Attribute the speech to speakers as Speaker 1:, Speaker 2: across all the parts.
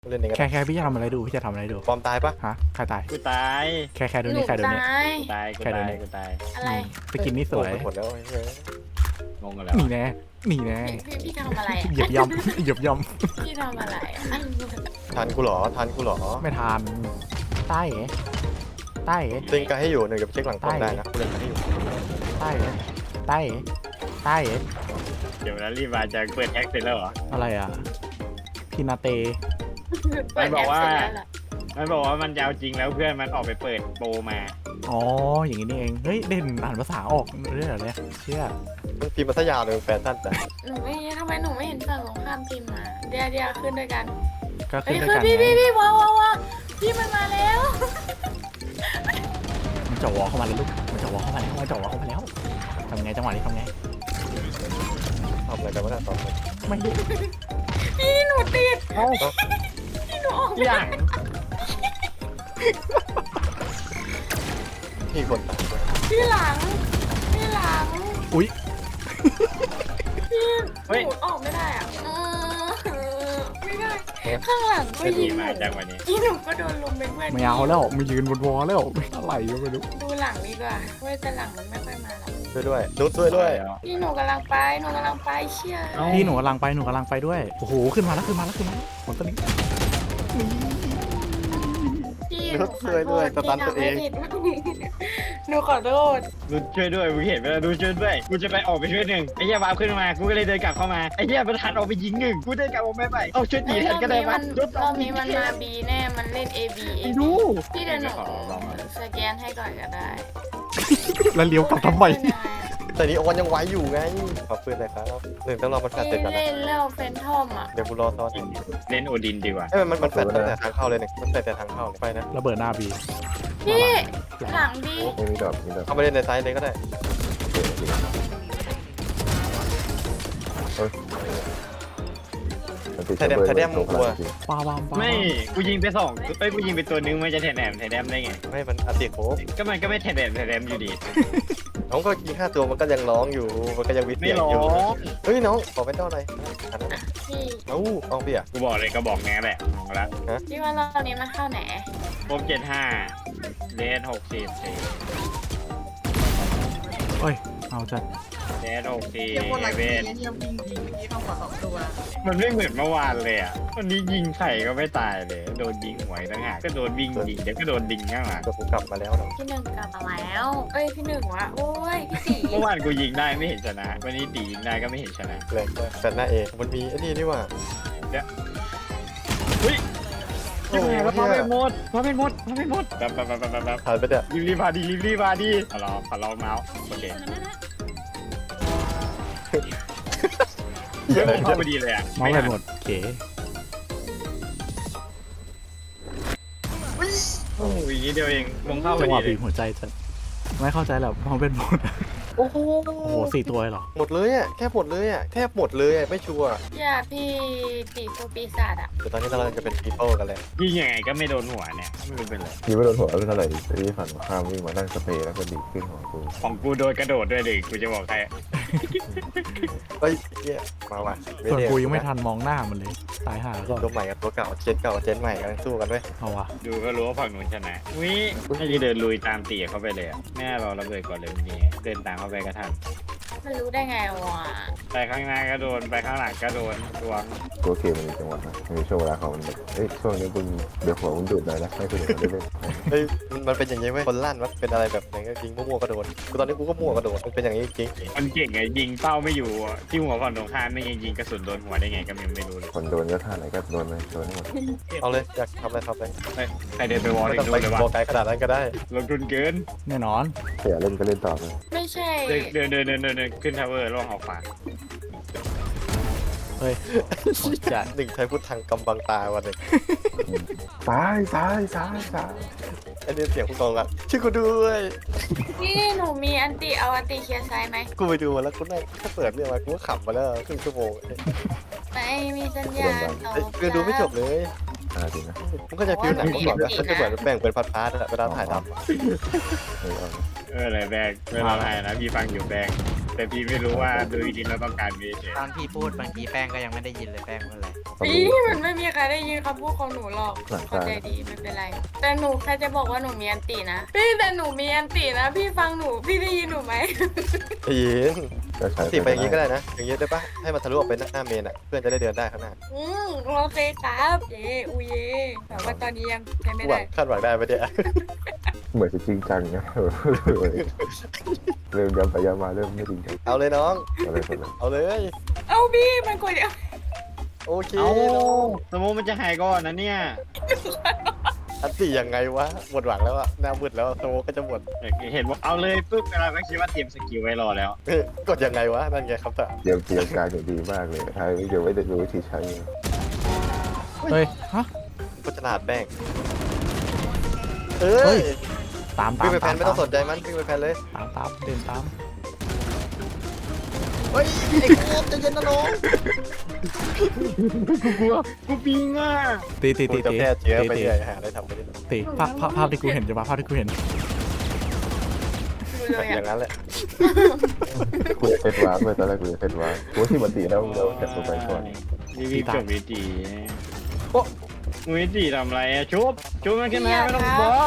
Speaker 1: เล่นเองกัน
Speaker 2: แค่พี่จะทำอะไรดูพี่จะทำอะไรดู
Speaker 1: ปลอมตายปะ
Speaker 2: ฮะใครตาย
Speaker 3: กูตาย
Speaker 2: แค่ดู
Speaker 4: หนู
Speaker 2: นี่แค่ดูนี่
Speaker 4: ตาย
Speaker 3: ตายกู
Speaker 2: แค่เดี๋
Speaker 3: ตา
Speaker 2: ยวนี้
Speaker 3: ยกูตาย
Speaker 4: อะไร
Speaker 2: ไปกินนี่สวย
Speaker 1: หมดแล้วเฮ้ย
Speaker 3: งงกันแล้ว
Speaker 2: นี่แน่นี่แน่
Speaker 4: พี่ทำอะไรอ่ะ
Speaker 2: เหยียบย่ำเหยียบย่
Speaker 4: พี่ทำอะไรอ่ะ
Speaker 1: ทันกูเหรอทันกูเหรอ
Speaker 2: ำไม่ทานใต้เหรอใต้เหรอ
Speaker 1: เล่นกันให้อยู่หนึ่งเดี๋ยวไปเช็คหลังกล้องได้นะกูเล่นกันให้อยู่
Speaker 2: ใต้เหรอใต้เหรอใต้เหรอ
Speaker 3: เดี๋ยวแล้วรีบมาจะเปิดแท็กเสร็จแล้วเหรอ
Speaker 2: อะไรอ่ะพินาเต
Speaker 3: มันบอกว่า
Speaker 4: เปิดแอปเสร็จแล้วเหรอ
Speaker 3: มันบอกว่ามันจะเอาจริงแล้วเพื่อนมันออกไปเปิดโปรมา
Speaker 2: อ๋ออย่างนี้นี่เองเฮ้ยเด่นอ่านภาษาออกด้วยเหรอเนี่ยเชื่อ
Speaker 1: มันพิมพ์มาซะยาวเลยแฟชั่นแต่
Speaker 4: หนูไม่ทำไมหนูไม่เห็นฝั่งตรงข้ามพิมพ์มาเดี๋ยวขึ้นด้วยกัน
Speaker 2: ก็
Speaker 4: เฮ้
Speaker 2: ขึ้
Speaker 4: ย
Speaker 2: นด้วย
Speaker 4: คือ
Speaker 2: กันไง
Speaker 4: พี่ว้าวพี่มันมาแล้ว
Speaker 2: มันจะวอเข้ามาแล้วลูกมันจะวอเข้ามาแล้วมันจะวอเข้ามาแล้วทำไงจังหวะนี้ทำไง
Speaker 1: ทำอะไรกันวะเนี่ยตอนนี้
Speaker 2: ไม่รู้
Speaker 4: พี่หนูติด
Speaker 3: เอ้า
Speaker 4: พี่หนูออก
Speaker 3: ที่หลัง
Speaker 1: มีคนตายด้วย
Speaker 4: พี่หลัง
Speaker 2: อุ้ย
Speaker 4: พี่หนูออกไม่ได้อ่ะไม่ได้ข้างหลังก็
Speaker 3: จะ
Speaker 4: ยิ
Speaker 3: ดี
Speaker 4: งห
Speaker 3: มา
Speaker 4: นู
Speaker 3: จากวันนี้
Speaker 4: พี่หนูก็โดนลุมเป็นเพื่อน
Speaker 2: ไม่เอาแล้วไม่ยืนบนวอแล้วอะไรก็ไม่รู้
Speaker 4: ดูหลังดีกว่าเว้ยแต่หลังมันไม่ค่อยมาหรอก
Speaker 1: ช่วยด้วยนุชช่วยด้วย
Speaker 4: พี่หนูกำลังไปเชี่ย
Speaker 3: เอ้า
Speaker 2: พี่หนูกำลังไปด้วยโอ้โหขึ้นมาแล้วผลตัวนี้
Speaker 4: พี่
Speaker 1: นุชช่วยด้วยสตันตัวเอง
Speaker 4: หนูขอโทษ
Speaker 3: ดูช่วยด้วยมึงเห็นไหมล่ะดูช่วยด้วยกูจะไปออกไปช่วยหนึ่งไอ้เหี้ยวาร์ปขึ้นมากูก็เลยเดินกลับเข้ามาไอ้เหี้ยมันทันออกไปยิงหนึ่งกูเดินกลับออกไม่ไปเอาช่วยตีแทนก็ได้ปะ
Speaker 4: รอบนี้มันมาบีแน่มันเล่น A B
Speaker 3: ไอ้ดู
Speaker 4: พี่เดี๋ยวหนูสแกนให้ก่อนก็ได้
Speaker 2: แล้วเลี้ยวกลับทำไม
Speaker 1: แต่นี้ออนยังไหวอยู่ไงขอบคุณเลยครับหนึ่งต้องรอมันแฟดเสร็จก่อนนะ
Speaker 4: เล่นแล้วเฟนทอมอ่ะ
Speaker 1: เดี๋ยวกูรอซ้อนให้
Speaker 3: เล่นโอดินดีกว่า
Speaker 1: เอ้ยมันแฟดตั้งแต่ทางเข้าเลยเนี่ยมันแฟดแต่ทางเข้าเลยไปนะ
Speaker 2: ระเบิดหน้าบี
Speaker 4: พี่หลังบี
Speaker 5: ไม่มีดอกมีดอก
Speaker 1: เข้าไปเล่นในไซส์เลยก็ได้
Speaker 5: ไทยแดมมึงกลัว
Speaker 2: ปาบามปา
Speaker 3: ไม่กูยิงไปสองเอ้ยกูยิงไปตัวนึงมันจะแถมได้ไง
Speaker 1: ไม่มันอัติโค
Speaker 3: ก็มันก็ไม่แถมอยู่ดี
Speaker 1: น้องก็ยิง5 ตัวมันก็ยังร้องอยู่มันก็ยังวิทย์
Speaker 3: ไม่
Speaker 1: เสียง
Speaker 3: ร้อ
Speaker 1: อยู่
Speaker 3: ง
Speaker 1: เฮ้ยน้องขอเป็นเจ้าหน่อยอันนั้น
Speaker 4: พี่
Speaker 1: เอ้าเอาเปีย
Speaker 3: กูบอกเลยก็บอกแง่แหละมองละ
Speaker 4: พี่ว่ารอบนี้มันเข้าไหน
Speaker 3: ครบ75เลน64
Speaker 2: เอ้ยเอาจัด
Speaker 3: เลน64
Speaker 6: ยังวนหลัง
Speaker 3: เว
Speaker 6: ยิ
Speaker 3: น
Speaker 6: งยังยิงเข้าหัว2 ตัว
Speaker 3: มันไม่เหมือนเมื่อวานเลยอ่ะวันนี้ยิงไข่ก็ไม่ตายเลยโดนยิงหัวต่างหากก็โดนวิ่งยิงเดี๋ยวก็โดนดิงข้างหลัง
Speaker 1: ตัวกูกลับมาแล้วน้อง
Speaker 4: พี่หนึ่งกลับมาแล้วเอ้ยพี่หนึ่งวะโอ้ยพี่ตี
Speaker 3: เมื่อวานกูยิงได้ไม่เห็นชนะ วันนี้ตียิงได้ก็ไม่เห็นชนะ
Speaker 1: เลยแฟดหน้าเอมันมีไอ้นี่นี่ว่า
Speaker 3: อุ้ย
Speaker 1: โอ้
Speaker 3: ยิง
Speaker 1: โห
Speaker 3: ไงวะ
Speaker 1: เหี้
Speaker 3: พาไม่หมดแบบ
Speaker 1: ผ่านไปเนี่ย
Speaker 3: รีบมาดีขอลองเมาส์โอเคเฮ้ยผมเข้าพอดีเลยอ่ะ
Speaker 2: เมาส์ไปหมดเก๋
Speaker 3: โอ้ยอย่างนี้เดียวเองมงเข้าพ
Speaker 2: จั
Speaker 3: อง
Speaker 2: ห
Speaker 3: ดี
Speaker 2: วะ
Speaker 3: เล
Speaker 2: บี
Speaker 3: ย
Speaker 2: บหัวใจจัดไม่เข้าใจหรอกมองเป็นหมด
Speaker 1: โอ้โห
Speaker 2: โอ้โห4 ตัวเลยเหรอ
Speaker 1: หมดเลยอ่ะแค่หมดเลยอ่ะแทบหมดเลยอ่ะไม่ชัวร์
Speaker 4: อย่าพี่ตีตัวปีศาจอ่ะ
Speaker 1: แต่ตอนนี้เรากำลังจะเป็น people กันเลย
Speaker 3: ยิงยังไงก็ไม่โดนหัวเนี่ยไม่รู้เป็นไร
Speaker 5: ยิงไม่โดนหัวไม่เท่าไหร่ที่ฝั่งข้ามวิ่งมานั่งสเปรย์แล้วก็ดีขึ้นหัวกู
Speaker 3: ของกูโดนกระโดดด้วยดิกูจะบอกใคร
Speaker 1: เฮ้ยเหี้ยมาว่ะ
Speaker 2: ส่วนกูยังไม่ทันมองหน้ามันเลยตายห่าก่อน
Speaker 1: ตัวใหม่กับตัวเก่าเจนเก่ากับเจนใหม่กำลังสู้กันด้วย
Speaker 2: เอาวะ
Speaker 3: ดูก็รู้ว่าฝั่งนู้นชนะวิให้จะเดินลุยตามตีเข้าไปเลยอ่ะแม่เราระเบิดก่อนเลยนี่เดินตามเข้าไปกระทัน
Speaker 4: มันรู้ได้ไงวะ
Speaker 3: ไปข้างหน้าก็โดนไปข้างหลังก็โดนดวง
Speaker 5: ตัวเกมมันมีจังหวะนะมีช่วงเวลาเขามันแบบเอ้ยช่วงนี้มึงเดี๋ยวหัวมึงดูดหน่อยนะให้คนอื่นเขาได้เล่น
Speaker 1: เฮ้ยมันเป็นอย่างนี้เว้ยคนลั่นมันเป็นอะไรแบบไหนก็ยิงมั่วๆก็โดนกูตอนนี้กูก็มั่วก็โดนมันเป็นอย่างนี้จริง
Speaker 3: มันเก่งไงยิงเป้าไม่อยู่อะที่หัวฝั่งตรงข้ามไม่ยิงกระสุนโดนหัวได้ไงก็ยังไม่รู้เลย
Speaker 5: คนโดนก็ท่าไหนก็โดนไปโดนให้หมด
Speaker 1: เอาเลยอยากทำอะไรทำเลย
Speaker 3: ใครเดินไปวอล
Speaker 1: ไม่
Speaker 3: เล่
Speaker 1: ต้อง
Speaker 3: น
Speaker 1: ไป
Speaker 3: ด้วยเลยวะ
Speaker 1: โบกไกลขนาดนั้นก็ได้
Speaker 3: ลงทุนเกิน
Speaker 2: แน่นอน
Speaker 5: เสียเล่นก็เล่นต่อเลย
Speaker 4: ไม่ใช่
Speaker 3: เดินขึ้นทาวเวอร์ล่องออกขวา
Speaker 2: เฮ้ยหมดจัด
Speaker 1: หนึ่งใช้พุทธังกำบังตาวันหนึ่ง
Speaker 5: ซ้าย
Speaker 1: ไอ้เนี่ยเสียงคุณกองกันช่วยกูด้วย
Speaker 4: พี่หนูมีอันติเอาอันติเคลียร์ไซด์ไหม
Speaker 1: กูไปดูมาแล้วกูนั่งถ้าเปิดเรื่องมากูก็ขำมาแล้วครึ่งชั่วโมง
Speaker 4: ไม่มีสัญญาณตอบ
Speaker 1: เรื่องดูไม่จบเลย
Speaker 5: จริงนะ
Speaker 1: มันก็จะฟิลหนังเมื่อก่อนนะมันจะเหมือนแบ่งเป็นพาร์ทๆอะเวลาถ่ายทำอะ
Speaker 5: เออ
Speaker 3: เลยแบงไม่ร้องไห้นะพี่ฟังอยู่แบงแต่พี่ไม่รู้ว่าโดยจริงเราต้องการมีเฉย
Speaker 2: ตอนพี่พูดบางทีแป้งก็ยังไม่ได้ยินเลยแป้งว่าอะไร
Speaker 4: พี่มันไม่มีใครได้ยินคำพูดของหนูหรอก
Speaker 5: หลัง
Speaker 4: เข้า
Speaker 5: ตา
Speaker 4: ใจดีไม่เป็นไร แต่หนูแค่จะบอกว่าหนูมีอันตินะพี่แต่หนูมีอันตินะ พี่ฟังหนูพี่ได้ยินหนูไหม
Speaker 1: ไอ้ยิง
Speaker 5: ก็ใช้
Speaker 1: ติดไปอย่างนี้ก็ได้นะ อย่างนี้ได้ปะให้มันทะลุออกไปหน้าเมนอ่ะ เพื่อนจะได้เดินได้ข้างหน้า
Speaker 4: โอเคครับเย่อูเย่แต่ว่าตอนนี้ยังไม่
Speaker 1: หวั
Speaker 4: ได้
Speaker 1: งคาดหวังได้ปะเนี่ย
Speaker 5: เหมือนจะจริงจังนะเริ่มย้ำไปย้ำมาเริ่มไม่จริงจัง
Speaker 1: เอาเลยน้อง
Speaker 5: อะไรคนละ
Speaker 1: เอาเลย
Speaker 4: เอาพี่มันกดเดียว
Speaker 1: โอเค
Speaker 3: เอาสมมติมันจะหายก่อนนะเนี่ย
Speaker 1: อันตียังไงวะหมดหวังแล้วอะหน้ามืดแล้วโตก็จะหมด
Speaker 3: เห็นว่าเอาเลยปุ๊บเราก็คิดว่าเตรียมสกิลไว้รอแล้ว
Speaker 1: เฮ้ยกดยังไงวะ นั่นไงคำถาม
Speaker 5: เตรียมการอย่างดีมากเลยใช่เดี๋ยวไม่ได้รู้วิธีใช้
Speaker 2: เฮ้ยฮะ
Speaker 1: ก็ฉลาดแป้งเอ้
Speaker 2: เฮ้
Speaker 1: ย
Speaker 2: ย ตาม
Speaker 1: วิ่งไปแพ
Speaker 2: ตาม
Speaker 1: นไม่ต้องสนใจมันวิ่งไปแพนเลย
Speaker 2: ตามเดินตาม
Speaker 1: เฮ้ยไอ้โคตรจะเย็นนะน้อง
Speaker 3: กูกลัวกูปิงอ่ะ
Speaker 2: ตี
Speaker 1: กูจะแค่เจือไปเรื่อยหาอะไรทำไปเรื่อย
Speaker 2: ตีภาพที่กูเห็นจะภาพที่กูเห็น
Speaker 4: ดูเลย
Speaker 1: อย่างนั้นแหละ
Speaker 5: กูจะเซตวาร์ปเลยตอนแรกกูจะเซตวาร์ปกูที่มันตีแล้วเราจับตัวไปก่อน
Speaker 3: รีบจบวิธีโอ้วิธีทำอะไรอะชุบมันขึ้นมาไม่ต้องบอ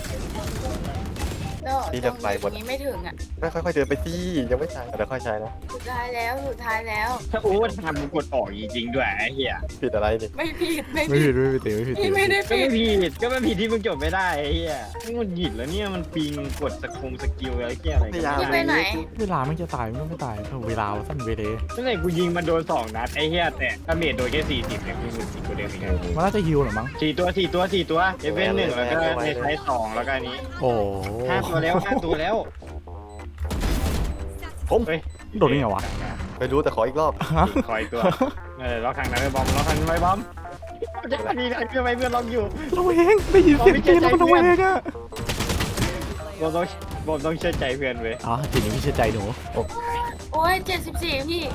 Speaker 4: ตรงนี้ไม่ถึงอ่ะ
Speaker 1: ไม่ค่อยๆเดินไปสิยังไม่ใช่เดี๋ยวค่อยใช้นะ
Speaker 4: สุดท้ายแล้วสุดท้ายแล้ว
Speaker 3: ถ้าโอ้ทำกูกดออกจริงๆด้วยไอ้เหี้ย
Speaker 1: ผิดอะไรนี่
Speaker 4: ไม่ผิดไม่
Speaker 2: ไม่
Speaker 4: ผิ
Speaker 2: ผิ
Speaker 4: ด
Speaker 2: ดไม่ผิดไม่ผิด
Speaker 4: พี่ไม่ได้
Speaker 3: ก็
Speaker 4: ผิ
Speaker 3: ไม่
Speaker 4: ด
Speaker 3: ผิดที่มึงจบไม่ได้ไอ้เหี้ยมึงหงุดหงิดแล้วเนี่ยมันปิงกดสกิลอะไรเหี้ยอะไรกัน
Speaker 4: พี่ไปไหน
Speaker 2: เวลาไม่จะตายมันก็ไม่ตายเวลาสั้นเวเล
Speaker 3: นั่นแหละกูยิงมันโดน2 นัดไอ้เหี้ยแต่ถ้าเมจโดนแค่40เนี่ยกูหงุดหงิดกูเดิมอีกแล้ว
Speaker 2: มันน่าจะฮิวหรอมั้ง
Speaker 3: 4 ตัวเอเวน1แล้วก็ในไซส์2แล้วก็อันนี้
Speaker 2: โอ้
Speaker 3: 5 ตัวแล้ว
Speaker 1: ผม
Speaker 3: เฮ้ย
Speaker 2: โดนได้ไงวะ
Speaker 1: ไม่รู้แต่ขออีกรอบ
Speaker 3: คอยตัวล็อกทางนั้นไม่บอมล็อกทางนั้นไม่บอมจะดีนะเพื่อนไปเพื่อนล็อกอยู่
Speaker 2: ระเวงได้ยินเสียงตีแล้วมันระเวงอ่ะ
Speaker 3: บอมต้องเชื่อใจเพื่อนเว้ย
Speaker 2: อ๋อทีนี้พี่เชื่อใจหนู
Speaker 4: โอ้ย74พี่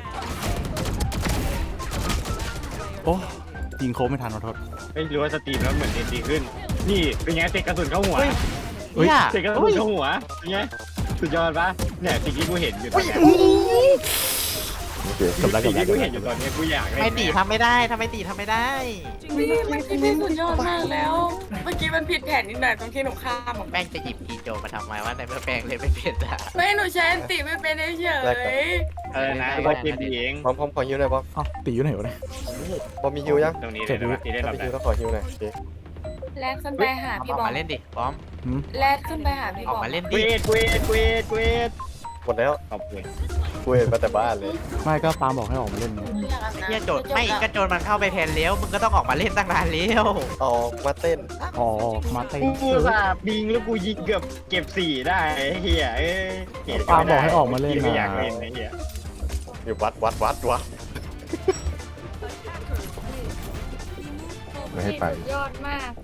Speaker 2: โอ้ยิงโค้งไม่ทันขอโทษ
Speaker 3: ไม่รู้ว่าสตรีมแล้วเหมือนดีขึ้น นี่เป็นไงเตะกระสุนเข้าหัว
Speaker 2: เฮ้ย
Speaker 3: เตะกระสุนเข้าหัวเป็นไงสุดยอดปะเนี่ยสิ่งที่กูเห็นอยู่ตอนนี้
Speaker 5: โอเค
Speaker 2: กับแล้ว
Speaker 3: สิ่ง
Speaker 2: กับ
Speaker 3: ที่
Speaker 2: แล้ว
Speaker 3: กูเห็นอยู่ตอนนี้กูอยากเล่น
Speaker 2: ไม่ตีทำไม่ได้ทำไมตีทำไม่ได้
Speaker 4: พี่เมื่อกี้พี่สุดยอดมากแล้ว เมื่อกี้มันผิดแผนนิดหน่อยตรงที่หนูข้ามออก
Speaker 2: แป้งจะหยิบกีโจมาทำไมว่าในเมื่อแป้งเลยไม่เป็นอ่ะ
Speaker 4: ไม่หนูใช้อันติไม่เป็นเฉย
Speaker 3: นะก็เกมดีเอง
Speaker 1: พร้อมขอฮิวหน่อยบอม
Speaker 2: อ๋อตีอยู่ไหนวะเนี่ย
Speaker 1: บอมมีฮิวยัง
Speaker 3: ตรงนี้เลยนะที่ได้
Speaker 1: ถ้า
Speaker 3: รับ
Speaker 1: มี
Speaker 3: ได้
Speaker 1: ฮิวก็ขอฮิวหน่อยโอเค
Speaker 4: แลกขึ้นไปหาพี่บอม
Speaker 2: มาเล่นดิบอม
Speaker 4: แลกขึ้นไปหาพี่
Speaker 2: ออบ ก
Speaker 4: อม
Speaker 2: มาเล่น
Speaker 3: เว
Speaker 2: ดิ
Speaker 3: ท
Speaker 1: หมดแล้ว
Speaker 3: ขอบคุณ
Speaker 1: กูเห็นมาแต่บ้านเลย
Speaker 2: ไม่ก็ปาบอกให้ออกมาเล่นไง
Speaker 4: อยากอาบน้ำ
Speaker 2: โจทย์ไม่ก็โจทย์มันเข้าไปแทนแล้วมึงก็ต้องออกมาเล่นตั้งนานแล้ว
Speaker 1: ออกมาเต้น
Speaker 2: อ๋อมาเต้น
Speaker 3: กูสาบิงแล้วกูยิงเกือบเก็บ4ได้เฮียไม่อยากเล่นไอ้เฮีย
Speaker 1: อยู่วัด
Speaker 5: ไม่ให้ไป
Speaker 4: สุดยอดมาก